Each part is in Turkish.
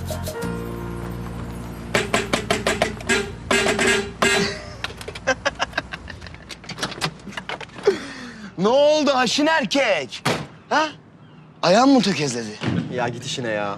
Ne oldu haşin erkek? Ha? Ayağın mı tökezledi? Ya git işine ya.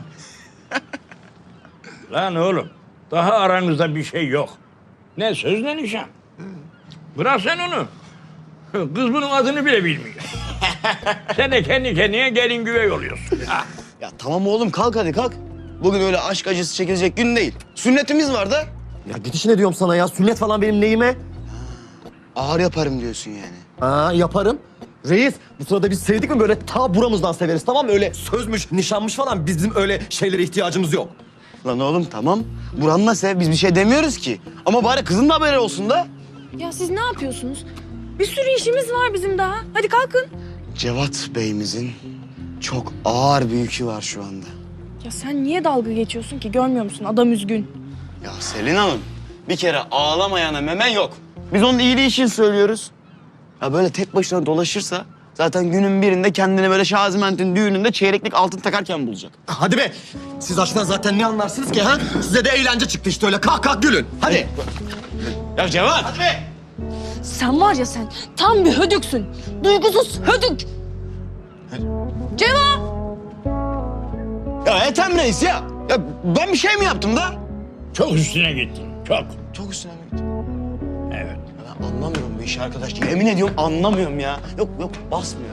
Lan oğlum, daha aranızda bir şey yok. Ne söz ne nişan. Bırak sen onu. Kız bunun adını bile bilmiyor. Sen de kendi kendine gelin güvey oluyorsun. Ha. Ya tamam oğlum kalk hadi kalk. Bugün öyle aşk acısı çekilecek gün değil. Sünnetimiz var da. Ya git işine diyorum sana ya. Sünnet falan benim neyime? Ağır yaparım diyorsun yani. Ha yaparım. Reis bu sırada biz sevdik mi böyle ta buramızdan severiz tamam mı? Öyle sözmüş, nişanmış falan bizim öyle şeylere ihtiyacımız yok. Lan oğlum tamam. Buranla sev biz bir şey demiyoruz ki. Ama bari kızın da haberi olsun da. Ya siz ne yapıyorsunuz? Bir sürü işimiz var bizim daha. Hadi kalkın. Cevat Bey'imizin çok ağır bir yükü var şu anda. Ya sen niye dalga geçiyorsun ki? Görmüyor musun? Adam üzgün. Ya Selin Hanım bir kere ağlamayana memen yok. Biz onun iyiliği için söylüyoruz. Ya böyle tek başına dolaşırsa zaten günün birinde kendini böyle Şaziment'in düğününde çeyreklik altın takarken bulacak. Hadi be. Siz aşktan zaten ne anlarsınız ki ha? Size de eğlence çıktı işte öyle kalk kalk gülün. Hadi. Ya Cevat! Hadi be! Sen var ya sen tam bir hödüksün. Duygusuz hödük. Ceva! Ya Ethem Reis ya. Ya ben bir şey mi yaptım da? Çok üstüne gittin, çok. Çok üstüne mi gittim? Evet. Ya ben anlamıyorum bu işi arkadaş. Yemin ediyorum anlamıyorum ya. Yok basmıyor.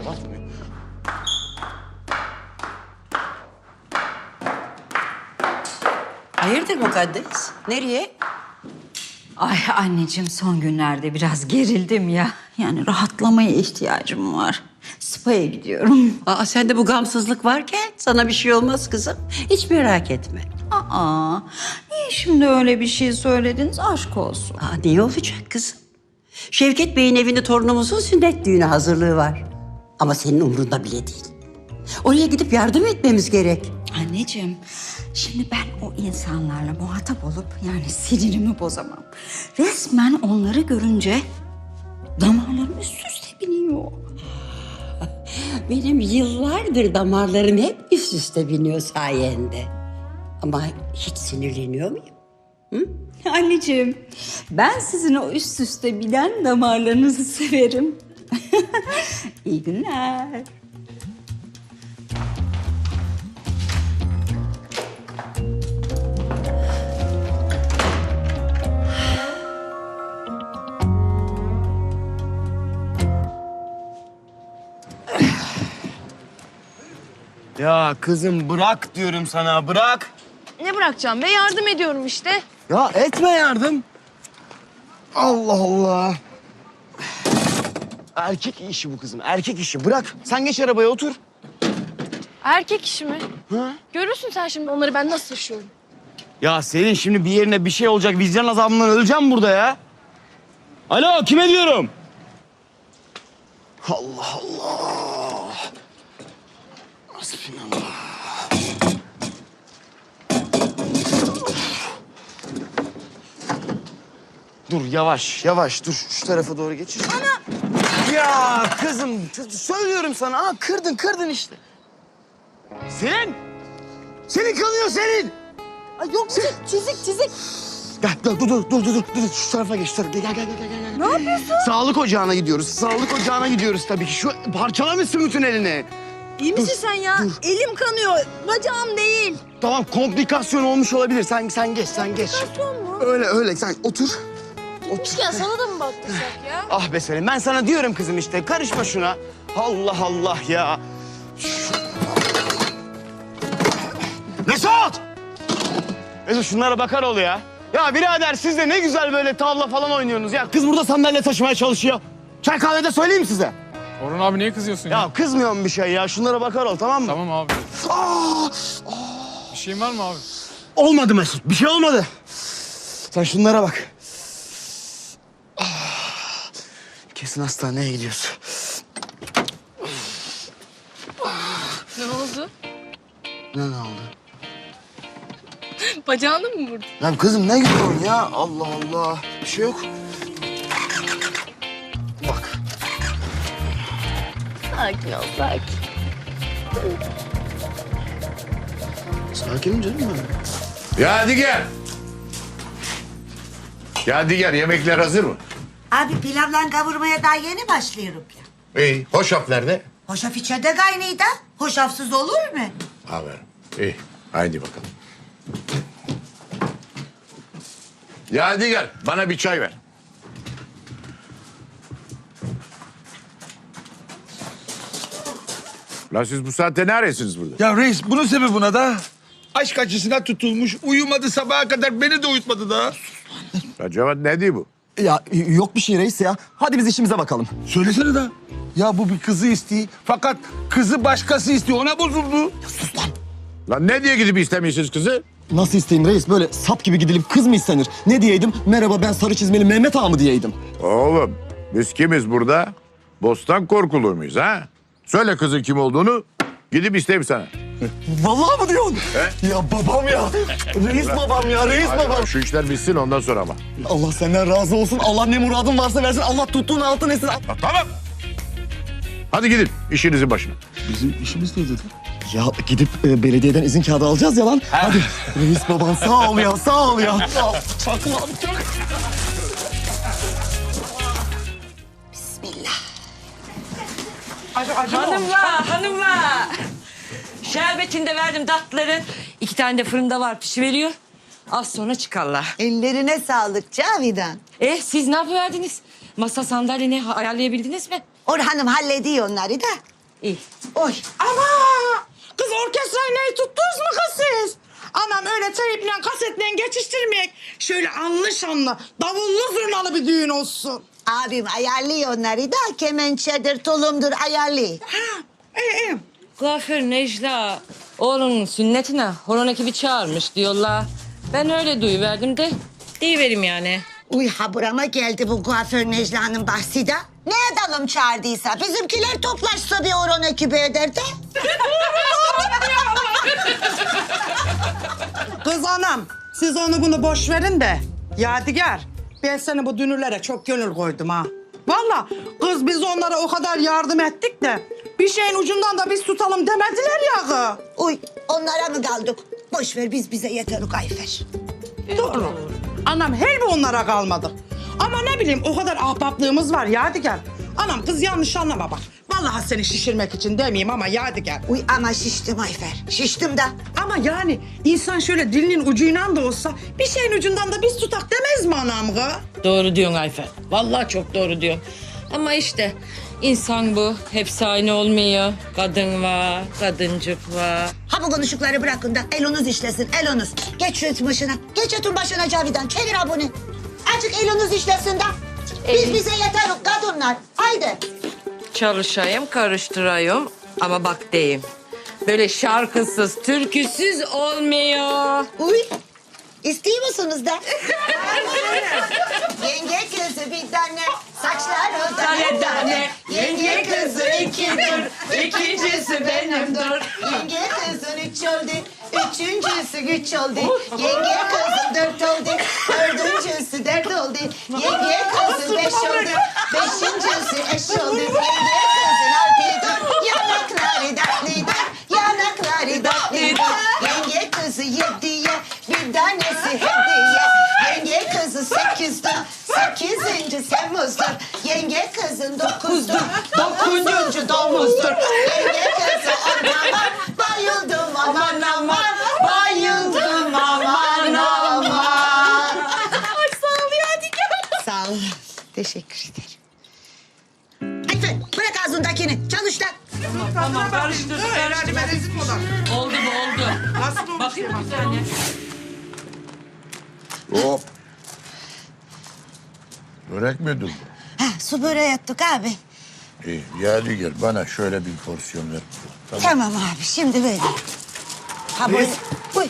Hayırdır Mukaddes? Nereye? Ay anneciğim son günlerde biraz gerildim ya. Yani rahatlamaya ihtiyacım var. Spa'ya gidiyorum. Aa, sende bu gamsızlık varken sana bir şey olmaz kızım. Hiç merak etme. Aa, niye şimdi öyle bir şey söylediniz? Aşk olsun. Aa, niye olacak kızım? Şevket Bey'in evinde torunumuzun sünnet düğünü hazırlığı var. Ama senin umrunda bile değil. Oraya gidip yardım etmemiz gerek. Anneciğim, şimdi ben o insanlarla muhatap olup yani sinirimi bozamam. Resmen onları görünce damarlarım üst üste biniyor. Benim yıllardır damarlarım hep üst üste biniyor sayende. Ama hiç sinirleniyor muyum? Anneciğim, ben sizin o üst üste binen damarlarınızı severim. İyi günler. Ya kızım bırak diyorum sana bırak. Ne bırakacağım be? Yardım ediyorum işte. Ya etme yardım. Allah Allah. Erkek işi bu kızım erkek işi. Bırak sen geç arabaya otur. Erkek işi mi? Ha? Görürsün sen şimdi onları ben nasıl taşıyorum. Ya Selin şimdi bir yerine bir şey olacak. Vicdan azabından öleceğim burada ya. Alo kime diyorum? Allah Allah. Hasbinallah. Dur yavaş dur şu tarafa doğru geçir. Ana! Ya kızım söylüyorum sana. Aa, kırdın işte. Selin! Selin kanıyor Selin! Ay yok çizik. Gel dur. Şu tarafa geç. Gel. Ne yapıyorsun? Sağlık ocağına gidiyoruz tabii ki. Şu parçalamışsın bütün elini. İyi misin sen ya? Elim kanıyor. Bacağım değil. Tamam komplikasyon olmuş olabilir. Sen geç. Komplikasyon mu? Öyle sen otur. Ya sana da mı baktırsak ya? Ah be Selin ben sana diyorum kızım işte karışma şuna. Allah ya. Mesut! Mesut şunlara bakar ol ya. Ya birader siz de ne güzel böyle tavla falan oynuyorsunuz ya. Kız burada sandalye taşımaya çalışıyor. Çay kahvede söyleyeyim mi size? Orhan abi niye kızıyorsun ya? Ya kızmıyorum bir şey ya. Şunlara bakar ol tamam mı? Tamam abi. Aa! Bir şeyin var mı abi? Olmadı Mesut. Bir şey olmadı. Sen şunlara bak. Kesin hastaneye gidiyoruz. Ne oldu? Ne oldu? Bacağını mı vurdun? Ya kızım ne gidiyorsun ya? Allah Allah. Bir şey yok. Bak. Sakin ol sakin. Sakinim canım ben. Yadigar. Yadigar, yemekler hazır mı? Abi pilavla kavurmaya daha yeni başlıyorum ya. İyi. Hoşaf nerede? Hoşaf içeride kaynıydı. Hoşafsız olur mu? Aferin. İyi. Haydi bakalım. Yadigar, bana bir çay ver. Lan siz bu saatte ne arıyorsunuz burada? Ya reis bunun sebebi buna da aşk acısına tutulmuş. Uyumadı sabaha kadar beni de uyutmadı da. Ya Cevat ne diyor bu? Ya yok bir şey reis ya. Hadi biz işimize bakalım. Söylesene da. Ya bu bir kızı istiyor. Fakat kızı başkası istiyor. Ona bozuldu. Lan ne diye gidip istemiyorsunuz kızı? Nasıl isteyeyim reis? Böyle sap gibi gidilip kız mı istenir? Ne diyeydim? Merhaba ben sarı çizmeli Mehmet Ağa mı diyeydim? Oğlum biz kimiz burada? Bostan korkulur muyuz ha? Söyle kızın kim olduğunu gidip isteyeyim sana. Vallahi mı diyorsun? Ya babam ya. Reis babam ya, reis Hadi babam. bak, şu işler bitsin ondan sonra ama. Allah senden razı olsun. Allah ne muradın varsa versin. Allah tuttuğun altın etsin. Ha, tamam. Hadi gidin işinizin başına. Bizim işimiz ne dedi? Ya gidip belediyeden izin kağıdı alacağız ya lan. Hadi. Reis babam sağ ol ya, sağ ol ya. Sağ ol. Çakma çak. Bismillah. Hanımlar. Şerbetini de verdim tatlıların. 2 tane de fırında var pişiveriyor. Az sonra çıkarlar. Ellerine sağlık Cavidan. Siz ne yapıverdiniz? Masa sandalyeni ayarlayabildiniz mi? Orhan'ım hallediyor onları da. İyi. Oy. Ama kız orkestrayı neyi tuttunuz mu kız siz? Anam öyle teyple kasetle geçiştirmeyek. Şöyle anlı şanlı, davullu zurnalı bir düğün olsun. Abim ayarlıyor onları da. Kemençedir, tulumdur ayarlıyor. Ha, iyi. Kuaför Necla oğlunun sünnetine horon ekibi çağırmış diyorlar. Ben öyle duyuverdim de deyiverim yani. Uy haburama geldi bu kuaför Necla'nın bahsi de. Ne edelim çağırdıysa bizimkiler toplaşsa bir oron ekibi eder de. Kız anam, siz onu bunu boş verin de. Yadigar, ben seni bu dünürlere çok gönül koydum ha. Vallahi kız biz onlara o kadar yardım ettik de bir şeyin ucundan da biz tutalım demediler ya kız. Uy onlara mı kaldık? Boş ver biz bize yeterlik Ayfer. Doğru. Anam helbi onlara kalmadı. Ama ne bileyim o kadar ahbaplığımız var Yadigar. Anam kız yanlış anlama bak. Vallahi seni şişirmek için demeyeyim ama Yadigar. Uy ama şiştim Ayfer. Şiştim da. Ama yani insan şöyle dilinin ucuyla da olsa bir şeyin ucundan da biz tutak demez mi anam kız? Doğru diyorsun Ayfer. Vallahi çok doğru diyorsun. Ama işte insan bu. Hepsi aynı olmuyor. Kadın var, kadıncık var. Ha bu konuşukları bırakın da elonuz işlesin elonuz. Geç şu etin başına. Geç etin başına Cavidan. Çevir abone. Azıcık elonuz işlesin de. Biz bize yeteriz kadınlar. Haydi. Çalışayım, karıştırayım ama bak deyim. Böyle şarkısız, türküsüz olmuyor. Uy. İstiyor musunuz da? Yenge kızı bir tane, saçları tane tane. Yenge kızı ikidir, ikincisi benimdir. Yenge kızın 3 oldu, üçüncüsü güç oldu. Yenge kızın 4 oldu, dördüncüsü 4 oldu. Yenge kızın 5 oldu, beşincisi eş oldu. Yenge kızın 6'dır, yanakları tatlıdır, yanakları tatlıdır. Yenge kızı 7'ye, bir tanesi hediye. Yenge kızı 8'dir, 8. Temmuz'dur. Yenge kızın 9'dur, 9. domuzdur. Yenge kızı 10 aman, bayıldım aman aman. Bayıldım aman aman. Ay sağ ol Yadigar. Sağ ol. Teşekkür ederim. Ayfer bırak ağzındakini. Çalış lan. Tamam, karıştırdık. Herhalde ben rezil olan. Oldu mu oldu. Nasıl olmuş? Bakayım bir tane. Hop. Börek mi ödüldü? Ha, su böreği yaptık abi. İyi. Yadigar bana şöyle bir porsiyon ver. Tamam abi şimdi böyle. Ha böyle. Uy.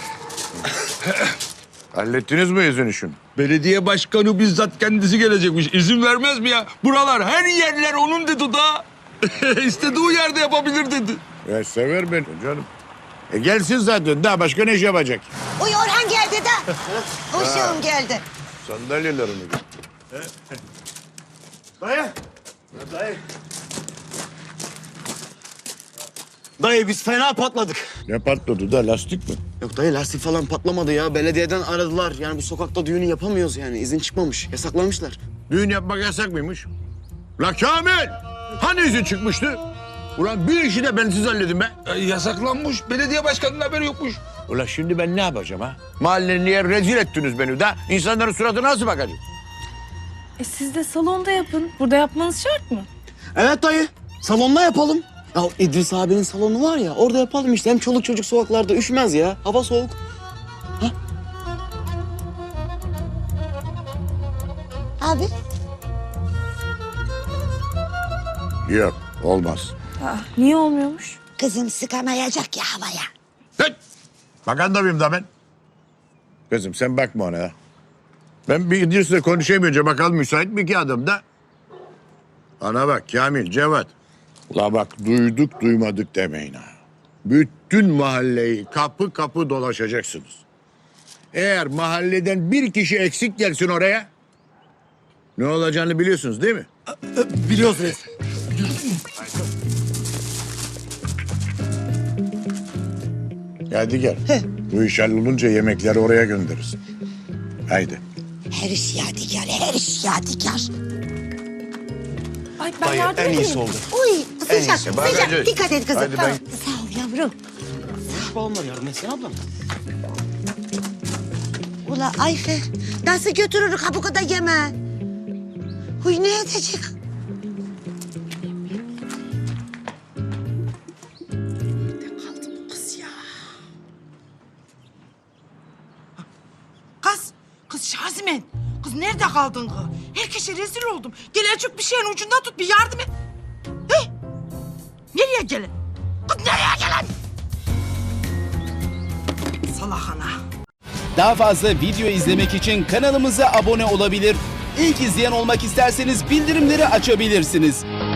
Hallettiniz mi izin işini? Belediye başkanı bizzat kendisi gelecekmiş. İzin vermez mi ya? Buralar her yerler onun dedi da. İstediği yerde yapabilir dedi. Ya sever beni canım. Gelsin zaten. Daha başka ne iş yapacak? Uy Orhan geldi de. Uşağım geldi. Sandalyelerini. Dayı. Dayı. Dayı biz fena patladık. Ne patladı da lastik mi? Yok dayı lastik falan patlamadı ya. Belediyeden aradılar. Yani bu sokakta düğünü yapamıyoruz yani. İzin çıkmamış. Yasaklamışlar. Düğün yapmak yasak mıymış? La Kamil! Hani izin çıkmıştı? Ulan bir işi de bensiz halledin be. Yasaklanmış. Belediye başkanının haberi yokmuş. Ulan şimdi ben ne yapacağım ha? Mahallenin niye rezil ettiniz beni de? İnsanların suratına nasıl bakacağım? Siz de salonda yapın. Burada yapmanız şart mı? Evet dayı. Salonda yapalım. Ya İdris abinin salonu var ya orada yapalım işte. Hem çoluk çocuk sokaklarda üşümez ya. Hava soğuk. Abi. Yok, olmaz. Niye olmuyormuş? Kızım sıkamayacak ya havaya. Hey! Maganda mıyım da ben? Kızım sen bakma ona ya. Ben bir İdris'le konuşamayınca bakalım müsait mi ki adam da? Ana bak Kamil, Cevat. La bak duyduk duymadık demeyin ha. Bütün mahalleyi kapı kapı dolaşacaksınız. Eğer mahalleden bir kişi eksik gelsin oraya... ...ne olacağını biliyorsunuz değil mi? Biliyoruz reis. Hadi gel. Bu iş hallolunca yemekleri oraya gönderirsin. Haydi. Her iş yadigar, her iş yadigar. Ay ben Dayı yardım en edeyim. iyisi oldu. Uy sıcak, iyisi, bak sıcak. hadi. Dikkat et kızım. Hadi Tamam. ben- Sağ ol yavrum. Babam var yardım etsene ablam. Ula Ayfer, nasıl götürürük ha bu kadar yeme? Huy ne edecek? Kız Şazimen. Kız nerede kaldın kız? Herkese rezil oldum. Gel azıcık bir şeyin ucundan tut, bir yardım et. Hey! Nereye gelin? Kız nereye gelin? Salak ana. Daha fazla video izlemek için kanalımıza abone olabilir. İlk izleyen olmak isterseniz bildirimleri açabilirsiniz.